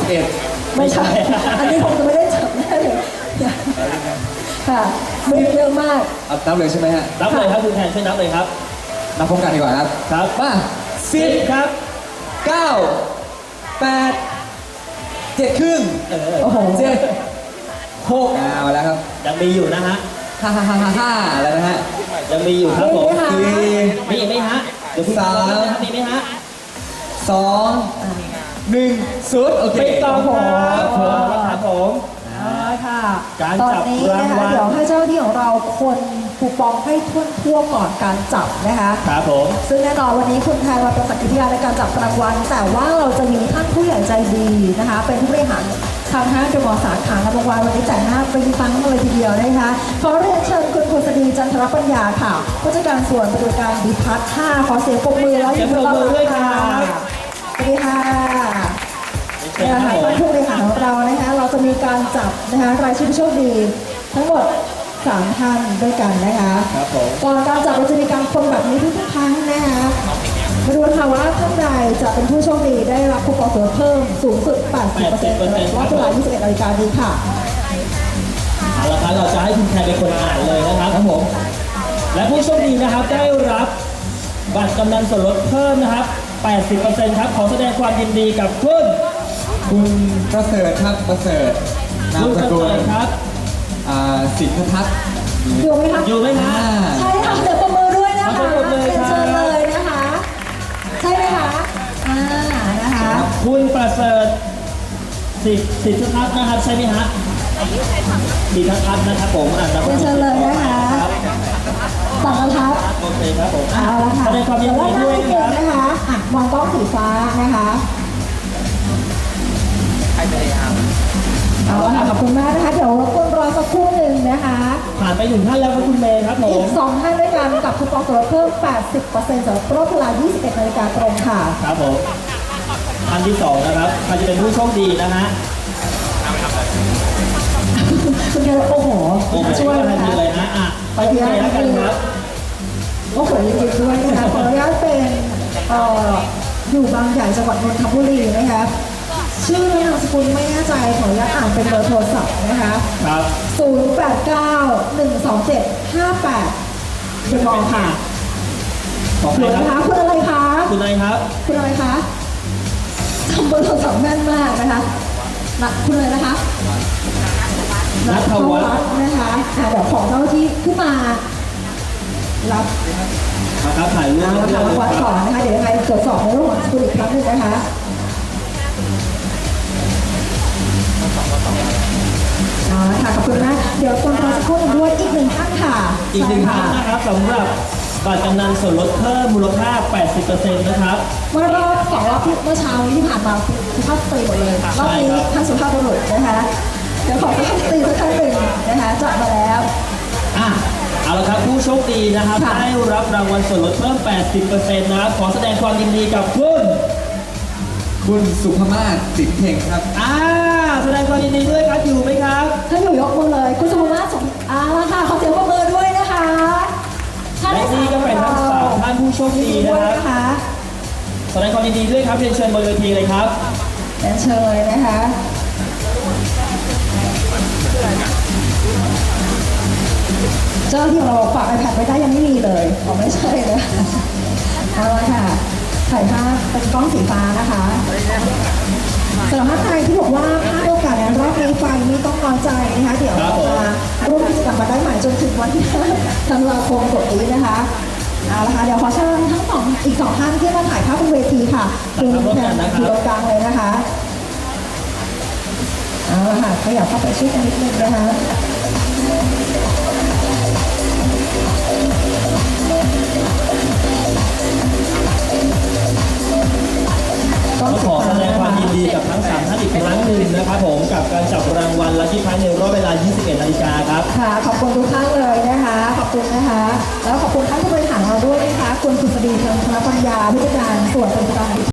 11 ไม่ใช่ อันนี้ผมจะไม่ได้จับแน่เลยค่ะไม่เยอะมากนับเลยใช่ไหมฮะนับเลยครับคุณแทนช่วยนับเลยครับนับพร้อมกันดีกว่าครับครับมา10 ครับ 9 8 7 ครึ่งโอ้โห 7 6มาแล้วครับยังมีอยู่นะฮะ 5แล้วนะฮะยังมีอยู่ครับผมมีไหมคะมีอีกไหมฮะเดี๋ยวคุณสามลองนะครับมีไหมฮะ 2 1 0โอเคไปต่อผมครับผมครับผมค่ะการตอนจับนี้นะคะรางวัลเดี๋ยวให้เจ้าหน้าที่ของเราคนคูปองให้ทั่วก่อนการจับนะคะครับผมซึ่งแน่นอนวันนี้คุณแทนมาเป็นสักขีพยานในการจับรางวัลแต่ว่าเราจะมีท่านผู้ใหญ่ใจดีนะคะ เป็นผู้บริหารทางห้างเดอะมอลล์สาขารางวัลวันนี้แต่งหน้าเป็นฟังเลยทีเดียวนะคะขอเรียนเชิญคุณพลสดีจันทรปัญญาค่ะผู้จัดการส่วนบริการดีพัฒน์5ขอเสียงปรบมือแล้วเสียงปรบมือด้วยครับสวัสดีค่ะเชิญนะครัคะบผมท่านผู้บริหารของเรานะคะเราจะมีการจับนะคะรายชื่อผู้โชคดีทั้งหมด3ท่านด้วยกันนะคะครับผมก่อนการจับเราจะมีการคนแบบนี้ทุกครั้งนะคะมาดูค่ะว่าท่านใดจะเป็นผู้โชคดีได้รับคูปองส่วนเพิ่มสูงสุด 80%รอบเวลา 21 นาฬิกานี้ค่ะเอาละครับเราจะให้คุณแทนเป็นคนอ่านเลยนะครับครับผม และผู้โชคดีนะครับได้รับบัตรกำนันส่วนลดเพิ่มนะครับ 80% ครับขอแสดงความยินดีกับคุณคุณประเสริฐครับประเสริฐนามคุณสประกุเสลริฐครับสินทัศน์อยู่ไหมคะอยู่ไหมฮะใช่ค่ะเดี๋ยวประมือด้วยนะคะขอบคุณเลยครับเชิญเลยนะคะ ใช่ไหมคะนะคะคุณประเสริฐสิทธิทัศน์นะครับใช่ไหมฮะสิทธิทัศน์นะครับผมอ่านนะครับเชิญเลยนะคะสั่งกระทับโอเคครับผมเอาละค่ะแสดงความยินดีด้วยเดี๋นะวครับนะคะมองกล้องสีฟ้านะคะเอาละค่ะขอบคุณมากนะคะ เดี๋ยวรบกวนรอสักครู่หนึ่งนะคะผ่านไป1ท่านแล้วครับคุณเมย์ครับผอีมก2ท่านด้วยกันกับคูปองส่วนลดเพิ่ม 80%สำหรับรอบเวลา 21 นาฬิกาตรงค่ะครับผมท่านที่2นะครับใครจะเป็นผู้โชคดีนะฮะคุณเดียวโอ้โหโอ้โหช่วยทันะนทีคะเลยนะอ่ะไปที่เมย์แล้วกันครับโอ้โหจริงๆด้วยนะคะขออนุญาตเป็นอยู่บางใหญ่จังหวัดนนทบุรีนะคะชื่อและนามสกุลไม่แน่ใจขออนุญาตอ่านเป็นเบอร์โทรศัพท์นะคะครับ 08912758เดมอลค่ะขอบหคุรืณอคนะคะรับคุณอะไรคะคุณนายครับคุณอะไรคะจำเบอร์โทรศัพท์แม่นมากนะคะคุณอะไรนะคะนัทวัฒน์นะคะเดี๋ยวของเจ้าที่ขึ้นมารับนะครับถ่ายรูปเอาละค่ะรับวัดก่อนนะคะเดี๋ยวยังไงตรวจสอบในเรื่องของสกุลอีกครั้งหนึงนะคะเอาละค่ะขอบคุณนะเดี๋ยวคนรอสักครู่หนึงด้วยอีกหนึ่งท่านค่ะอีกหนึ่งท่านนะครับสำหรับบัตรกำนันส่วนลดเพิ่มมูลค่า 80% นะครับเมื่อรอบสองรอบที่เมื่อเช้านี้ที่ผ่านมาสุภาพสตรีหมดเลยรอบนี้ท่านสุภาพบุรุษนะคะเดี๋ยวขอสุภาพสตรีสักท่านหนึ่งนะคะจัดมาแล้วอ่ะเอาละครับผู้โชคดีนะครับค่ะได้รับรางวัลส่วนลดเพิ่ม 80% นะครับขอแสดงความยินดีกับคุณคุณสุภมาศสินเพ่งครับแสดงความยินดีด้วยครับอยู่ไหมครับท่านอยู่ยกมือเลยคุณสุภาพสมละค่ะขอเสียงปรบมือด้วยนะคะท่านและที่นี่ก็เป็นทั้งสามท่านผู้โชคดีด้นะวยครับนะคะแสดงความยินดีด้วยครับเรียนเชิญบนเวทีเลยครับเรียนเชิญเลยนะคะเจ้าที่เราฝาก iPad ไว้ได้ยังไม่มีเลยอ๋อไม่ใช่เลยเอาละค่ะถ่ายภาพเป็นกล้องสีฟ้านะคะสำหรับท่านใดที่บอกว่าพลาดโอกาสในรอบนี้ไปไม่ต้องน้อยใจนะคะเดี๋ยวครับผมมาร่วมกิจกรรมมาได้ใหม่จนถึงวันที่5 ธันวาคมกดนี้นะคะเอาละค่ะเดี๋ยวขอเชิญทั้งอีกสองท่านที่มาถ่ายภาพบนเวทีค่ะคือแทนอยู่ตรงกลางเลยนะคะเอาละค่ะขยับเข้าไปช่วยกันนิดนึงนะคะต้องขอแสดงความยินดีกับทั้ง 3 ท่านอีกครั้งหนึ่งนะครับผมกับการจับรางวัลลัคกี้ไพรส์ในรอบเวลา 21 นาฬิกาครับค่ะขอบคุณทุกท่านเลยนะคะขอบคุณนะคะ แล้วขอบคุณท่านผู้บริหารเราด้วยนะคะคุณกฤษฎีเชิงธนปัญญาผู้จัดการส่วนบริการ